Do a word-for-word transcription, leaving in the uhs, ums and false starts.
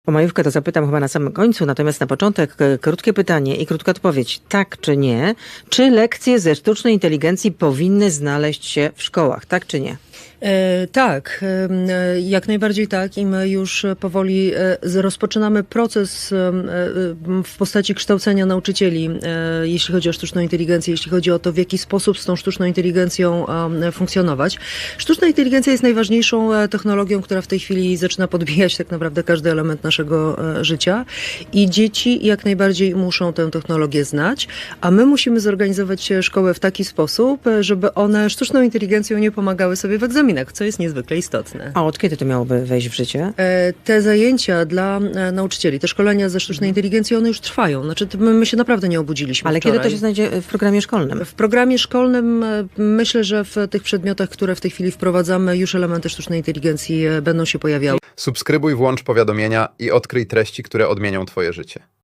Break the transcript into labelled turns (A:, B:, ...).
A: O majówkę to zapytam chyba na samym końcu, natomiast na początek e, krótkie pytanie i krótka odpowiedź. Tak czy nie? Czy lekcje ze sztucznej inteligencji powinny znaleźć się w szkołach? Tak czy nie?
B: E, tak, e, jak najbardziej tak i my już powoli e, z- rozpoczynamy proces e, e, w postaci kształcenia nauczycieli, e, jeśli chodzi o sztuczną inteligencję, jeśli chodzi o to, w jaki sposób z tą sztuczną inteligencją e, funkcjonować. Sztuczna inteligencja jest najważniejszą e, technologią, która w tej chwili zaczyna podbijać tak naprawdę każdy element naszego e, życia i dzieci jak najbardziej muszą tę technologię znać, a my musimy zorganizować e, szkołę w taki sposób, e, żeby one sztuczną inteligencją nie pomagały sobie w egzaminach, co jest niezwykle istotne.
A: A od kiedy to miałoby wejść w życie?
B: E, Te zajęcia dla e, nauczycieli, te szkolenia ze sztucznej inteligencji, one już trwają. Znaczy, to my, my się naprawdę nie obudziliśmy
A: Ale
B: wczoraj.
A: kiedy to się znajdzie w programie szkolnym?
B: W programie szkolnym e, myślę, że w tych przedmiotach, które w tej chwili wprowadzamy, już elementy sztucznej inteligencji e, będą się pojawiały.
C: Subskrybuj, włącz powiadomienia i odkryj treści, które odmienią Twoje życie.